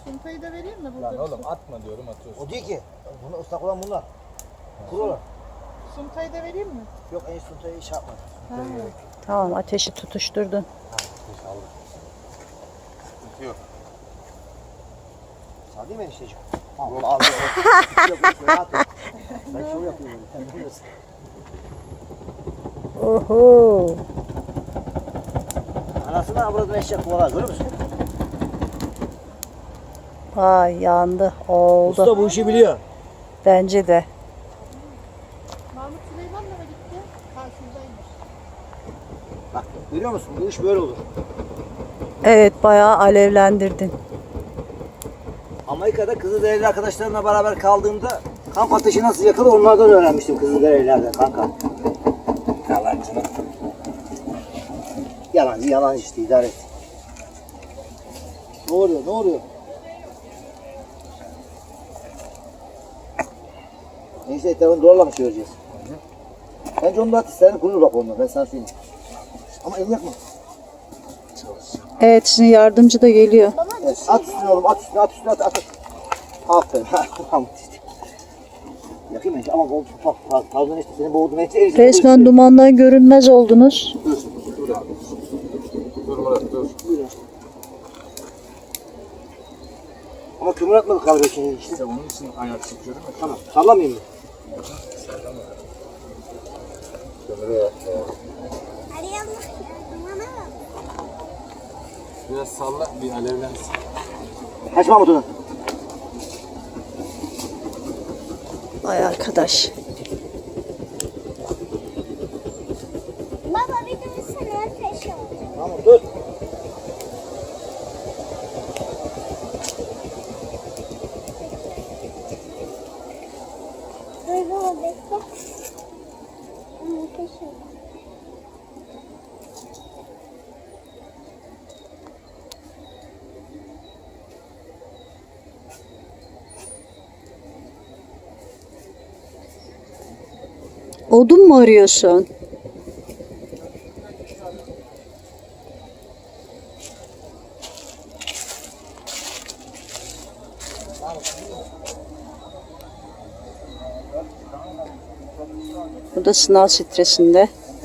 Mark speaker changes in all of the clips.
Speaker 1: Suntayı da vereyim mi?
Speaker 2: Lan oğlum atma diyorum, atıyorsun.
Speaker 3: O değil ki. Bunu ıslak olan bunlar. Kuru olan.
Speaker 1: Suntayı da vereyim mi?
Speaker 3: Yok en suntayı iş yapma.
Speaker 4: Tamam, ateşi tutuşturdun.
Speaker 2: Yok.
Speaker 3: Sağ değil mi enişteciğim? Allah Allah. Ben şov yapıyorum. Sen bilmiyorsun.
Speaker 4: Oho.
Speaker 3: Anasından avradına eşek kovalar görüyor musun?
Speaker 4: Ay yandı. Oldu.
Speaker 3: Usta bu işi biliyor.
Speaker 4: Bence de.
Speaker 1: Mahmut Süleyman'la mı gitti? Karşımdaymış.
Speaker 3: Bak görüyor musun? Bu iş böyle olur.
Speaker 4: Evet, bayağı alevlendirdin.
Speaker 3: Amerika'da Kızılderili arkadaşlarımla beraber kaldığımda kamp ateşi nasıl yakılır onlardan öğrenmiştim Kızılderililerden kanka. Yalancı. Yalancı işte idare et. Ne oluyor? Ne oluyor? Neyse etrafını doğrula mı çevireceğiz? Bence onu da at isterini kurur bak onunla ben sana söyleyeyim. Ama elini yakma.
Speaker 4: Evet, şimdi yardımcı da geliyor.
Speaker 3: Evet, at üstüne oğlum at üstüne at. Aferin. Tamam işte. Yakayım ben ama o pardon işte seni boğdum.
Speaker 4: Resmen dumandan görünmez oldunuz.
Speaker 2: Dur Murat dur.
Speaker 3: Ama kömür atmadık galiba şimdi işte.
Speaker 2: İşte onun için ayak çekiyorum.
Speaker 3: Tamam. Sallamayayım mı?
Speaker 2: Kömüre yak. Biraz salla, bir alevlensin.
Speaker 3: Kaç Mahmut onu?
Speaker 4: Ay arkadaş.
Speaker 5: Baba bir dursana ateş oldu.
Speaker 3: Tamam dur.
Speaker 5: Dur baba bekle. Ateş oldu.
Speaker 4: Odun mu arıyorsun? Bu da sınav stresinde.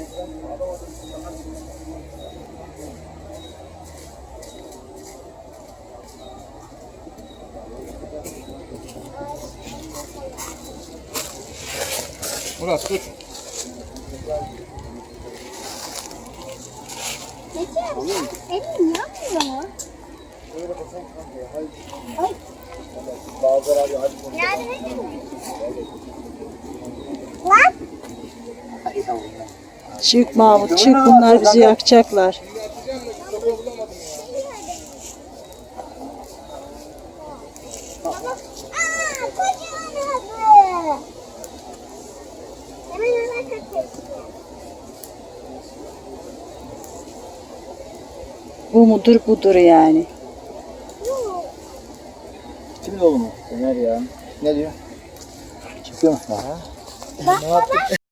Speaker 2: Murat dur.
Speaker 5: Peki elin yanmıyor mu? Yardım edeyim mi? Lan!
Speaker 4: Çık Mahmut, çık, bunlar bizi yakacaklar.
Speaker 5: Aaa kocaman oldu. Hemen ona kaçıyor.
Speaker 4: Bu mudur budur yani.
Speaker 3: Kimin oğlu mu? Ömer ya. Ne diyor? Çıkıyor mu?
Speaker 5: Bak baba.